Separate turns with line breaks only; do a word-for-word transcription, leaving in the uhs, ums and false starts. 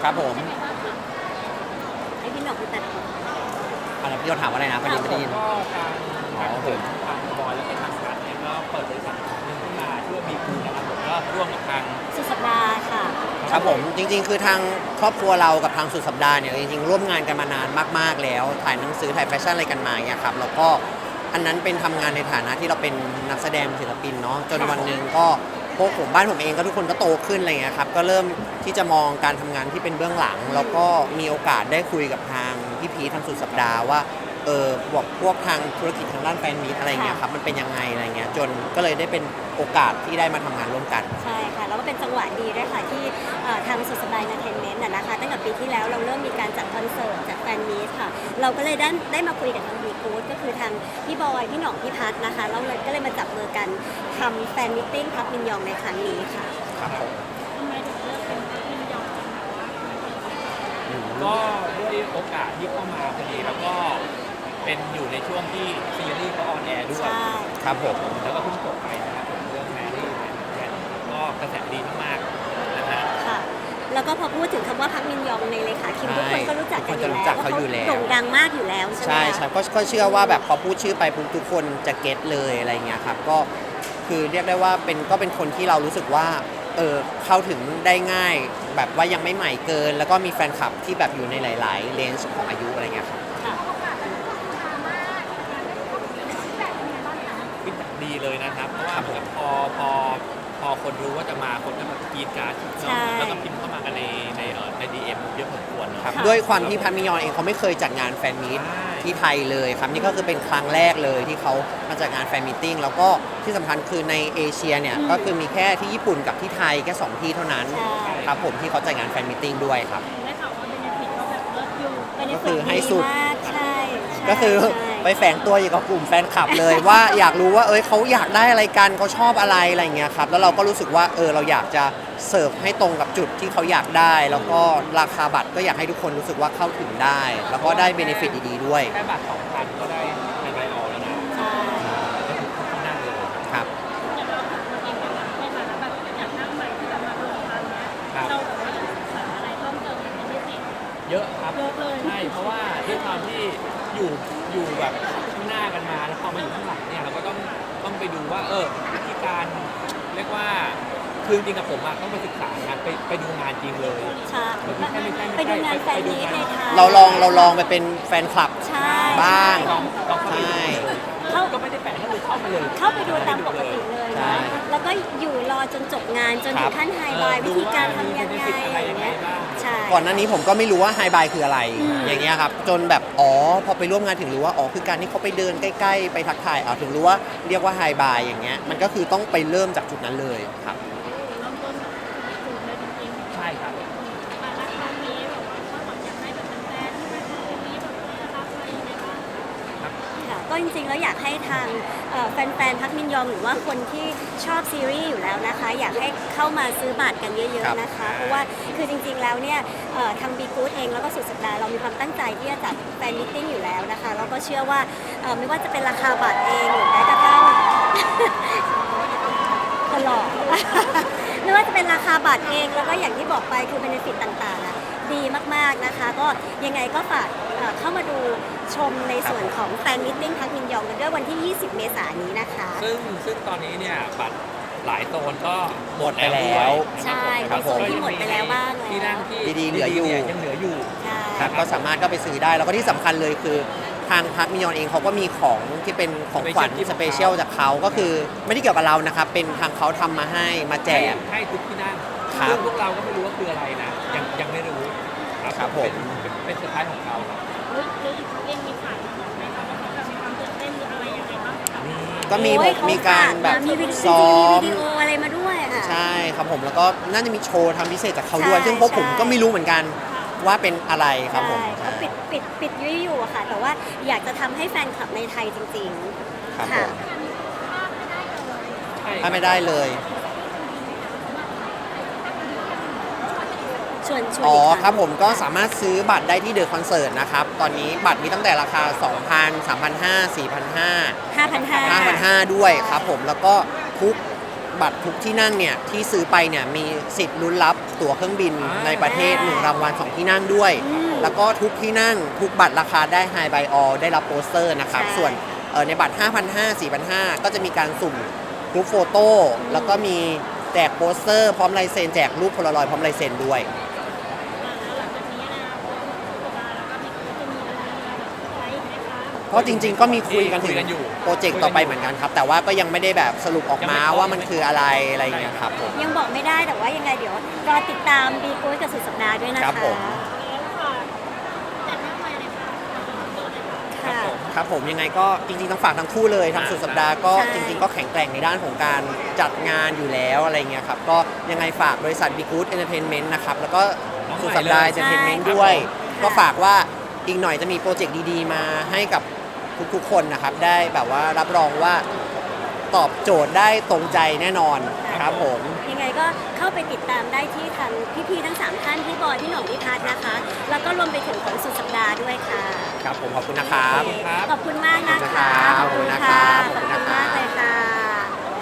ครับผม
ให้พี่หนอกไปตัดผม
อะไรพี่โยถามว่าอะไรนะพอดีไม่ได้ยิน
ก็ทางทางผมทางบอยแล้วก็ทางการเนี่ยก็เปิดบริษัทหนึ่งขึ้นมาชื่อว่าบีคูนะครับผมก็ร่วมกับทาง
สุดสัปดาห์ค่ะ
ครับผมจริงๆคือทางครอบครัวเรากับทางสุดสัปดาห์เนี่ยจริงๆร่วมงานกันมานานมากๆแล้วถ่ายหนังสือถ่ายแฟชั่นอะไรกันมาเนี่ยครับแล้วก็อันนั้นเป็นทำงานในฐานะที่เราเป็นนักแสดงศิลปินเนาะจนวันหนึ่งก็พวกผมบ้านผมเองก็ทุกคนก็โตขึ้นอะไรเงี้ยครับก็เริ่มที่จะมองการทำงานที่เป็นเบื้องหลังแล้วก็มีโอกาสได้คุยกับทางพี่พีทางสุดสัปดาห์ว่าเออบอกพวกทางธุรกิจทางด้านแฟนมีตอะไรเงี้ยครับมันเป็นยังไงอะไรเงี้ยจนก็เลยได้เป็นโอกาสที่ได้มาทำงานร่วมกัน
ใช่ค่ะแล้วก็เป็นจังหวะดีด้วยค่ะที่ทางสุดสัปดาห์เอนเตอร์เทนเมนต์นะคะตั้งแต่ปีที่แล้วเราเริ่มมีการจัดคอนเสิร์ตจัดแฟนมีตค่ะเราก็เลยได้ได้มาคุยกับทางบีกู๊ดก็คือทางพี่บอยพี่หน่องพี่พัทนะคะเราเลยก็เลยมาจับมือกันทำแฟนมิทติ้งพับมินยองในครั้งนี้ค่ะ
ครับผม
ทำไมถึงเลือกเป็นพับมินยองจังคะว่า
ก็ด้วยโอกาสที่เข้ามาพอดีแล้วก็เป็นอยู่ในช่วงที่ซีรีส์เขาออนแอร์ด้วย
ครับผม
แล้วก็เพิ่งจบไปนะครับผมเรื่องแมรี่แมรี่ก็กระแสดีมากๆนะฮะ
ค่ะแล้วก็พอพูดถึงคำว่าพักมินยองในเลขาคิมทุกคนก็รู้จักกันอยู่แล้ว
เขาโ
ด่งดังมากอยู่แล้วใช่ไหม
ใช่ใช่ก็เชื่อว่าแบบพอพูดชื่อไปทุกคนจะเก็ตเลยอะไรเงี้ยครับก็คือเรียกได้ว่าเป็นก็เป็นคนที่เรารู้สึกว่าเออเข้าถึงได้ง่ายแบบว่ายังไม่ใหม่เกินแล้วก็มีแฟนคลับที่แบบอยู่ในหลายๆเลนส์ของอายุอะไรเงี้ยครับ
ฟีดแบ็กดีเลยนะครับเพราะว่าแบบพอพอพอคนรู้ว่าจะมาคนก็แบบกรีดการ์ดแล้วก็พิมพ์เข้ามากันในในเอ่อในดีเอ็มเยอะพอสมควร
ครับด้วยความที่พันมิยอนเองเขาไม่เคยจัดงานแฟนมีตที่ไทยเลยครับนี่ก็คือเป็นครั้งแรกเลยที่เขามาจัดงานแฟนมีตติ้งแล้วก็ที่สำคัญคือในเอเชียเนี่ยก็คือมีแค่ที่ญี่ปุ่นกับที่ไทยแค่สองที่เท่านั้นครับผมที่เขาจัดงานแฟนมีตติ้งด้วยครับ
ได้ข่าวว่าเบเนฟิตก็แบบเลิศอยู่
ก็คือให้สุด
ใช่
ก็คือไปแฝงตัวอยู่กับกลุ่มแฟนคลับเลยว่าอยากรู้ว่าเอ้ยเขาอยากได้อะไรกันเขาชอบอะไรอะไรเงี้ยครับแล้วเราก็รู้สึกว่าเออเราอยากจะเสิร์ฟให้ตรงกับจุดที่เขาอยากได้แล้วก็ราคาบัตรก็อยากให้ทุกคนรู้สึกว่าเข้าถึงได้แล้วก็ได้เบเนฟิตดีๆด้วย
แค่บัตรสองพันก็ได้ไฮไบออลแล้วนะ
ใช่
นั่งเลย
ครับ
ในฐานะแบบอยากนั่งใหม่ที่จะมาลงทางเนี้ยเราแบบว่าจะศึกษาอะไรเพิ่มเติมเป็นพิเศษ
เยอะครับ
เยอะเลย
ใช่เพราะว่าด้วยความที่อยู่อยู่แบบข้างหน้ากันมาแล้วพอมาอยู่ข้างหลังเนี่ยเราก็ต้องต้องไปดูว่าเออวิธีการเรียกว่าคือจริงกับผมอะต้องไปศึกษางานไปไปดูงานจริงเลย
ใช่ไปดูงานแฟนมีตในไทย
เราลองเราลองไปเป็นแฟนคลับบ้าง
ใช่เขาก็ไม่ได้แฝงก็คือเข้าไปเลย
เข้าไปดูตามปกติเลยนะแล้วก็อยู่รอจนจบงานจนถึงขั้นไฮไลท์วิธีการทำยังไงอย่างเงี้ยใช่
ก่อนหน้านี้ผมก็ไม่รู้ว่าไฮไลท์คืออะไรอย่างเงี้ยครับจนแบบอ๋อพอไปร่วมงานถึงรู้ว่าอ๋อคือการที่เขาไปเดินใกล้ๆไปทักทายเอาถึงรู้ว่าเรียกว่าไฮไลท์อย่างเงี้ยมันก็คือต้องไปเริ่มจากจุดนั้นเลยครับ
ใช่ครับ
ก็จริงๆแล้วอยากให้ทางแฟนๆพักมินยองหรือว่าคนที่ชอบซีรีส์อยู่แล้วนะคะอยากให้เข้ามาซื้อบัตรกันเยอะๆนะคะเพราะว่าคือจริงๆแล้วเนี่ยทางบีกู๊ดเองแล้วก็สุดสัปดาห์เรามีความตั้งใจที่จะจัดแฟนมิทติ้งอยู่แล้วนะคะแล้วก็เชื่อว่าไม่ว่าจะเป็นราคาบัตรเองหรือแม้กระทั่งตลอดไม่ว่าจะเป็นราคาบัตรเองแล้วก็อย่างที่บอกไปคือเบเนฟิตต่างๆดีมากๆนะคะก็ยังไงก็ฝากเข้ามาดูชมในส่วนของแฟนมิทติ้งพักมินยองกันด้วยวันที่ยี่สิบเมษายนนี้นะคะ
ซึ่งซึ่งตอนนี้เนี่ยบัตรหลายโซนก็
หมดไปแล้ว
ใช่ในโซนที่หมดไปแล้วบ้าง
ที่นั่งที่
ดีๆเหลืออยู่
ยังเหลืออยู่
ครับก็สามารถก็ไปซื้อได้แล้วก็ที่สำคัญเลยคือทางพักมิยอนเองเขาก็มีของที่เป็นของขวัญสเปเชียลจากเขาก็คือไม่ได้เกี่ยวกับเรานะครับเป็นทางเขาทำมาให้มาแจก
ให้ทุกที่นั่งซึ่งพวกเราก็ไม่รู้ว่าคืออะไรนะยังยังไม่รู้
ครับผม
เป็นสุดท้ายของเขา
รู้รู้เองมีขายไหมคะว่าเขาแบบมีความตื่นเต้นหรืออะไรยังไงบ้าง
ก็มีมีการแบบ
ซ้อมวิดีโออะไรมาด้วยค่ะ
ใช่ครับผมแล้วก็น่าจะมีโชว์ทำพิเศษจากเขาด้วยซึ่งพวกผมก็ไม่รู้เหมือนกันว่าเป็นอะไรครับผม
เขาปิดปิดปิดยุ่ยอยู่ค่ะแต่ว่าอยากจะทำให้แฟนคลับในไทยจริง
ๆครับผมถ้าไม่ได้เลยอ๋อครับผมก็สามารถซื้อบัตรได้ที่เดอะคอนเสิร์ตนะครับตอนนี้บัตรมีตั้งแต่ราคา สองพัน สามพันห้าร้อย สี่พันห้าร้อย
ห้าพันห้าร้อย
ห้าพันห้าร้อย ด้วยครับผมแล้วก็ทุกบัตรทุกที่นั่งเนี่ยที่ซื้อไปเนี่ยมีสิทธิ์ลุ้นรับตั๋วเครื่องบินในประเทศหนึ่งรางวัลสองที่นั่งด้วย แล้วก็ทุกที่นั่งทุกบัตรราคาได้ High by All ได้รับโปสเตอร์นะครับ
ใช่
ส่วนเอ่อในบัตร ห้าพันห้าร้อย สี่พันห้าร้อย ก็จะมีการสุ่มกรุ๊ปโฟโต้แล้วก็มีแจกโปสเตอร์พร้อมลายเซ็นแจกรูปโพลารอยด์พร้อมลายเซ็นด้วย เพราะจริง ๆ ก็มีคุยกันถึง
คุยกันอยู่
โปรเจกต์ต่อไปเหมือนกันครับ แต่ว่าก็ยังไม่ได้แบบสรุปออกมาว่ามันคืออะไรอะไรอย่างเงี้ยครับผม
ยังบอกไม่ได้แต่ว่ายังไงเดี๋ยวรอติดตามบีกู๊ดกับสุดสัปดาห์ด้วยนะคะ
ครับผม
ค่ะ
ครับผมยังไงก็จริง ๆ ต้องฝากทั้งคู่เลยทางสุดสัปดาห์ก็
ใช่
จริง ๆ ก็แข็งแกร่งในด้านของการจัดงานอยู่แล้วอะไรเงี้ยครับก็ยังไงฝากบริษัท Be Good Entertainment นะครับแล้วก็สุดสัปดาห์ Entertainment ด้วย ก็ฝากว่าอีกหน่อยจะมีโปรเจกต์ดีๆ มาให้กับทุกๆคนนะครับได้แบบว่ารับรองว่าตอบโจทย์ได้ตรงใจแน่นอนครับผม
ยังไงก็เข้าไปติดตามได้ที่ทางพี่ๆทั้งสามท่านพี่บอยพี่หน่องพี่พัฒน์นะคะ แล้วก็รวมไปถึงของสุดสัปดาห์ด้วยค่ะ
ครับผมขอบคุณนะครับ
ขอบคุณมากนะคะ
ขอบคุณนะครับ
ขอบคุณมากเลยค่ะ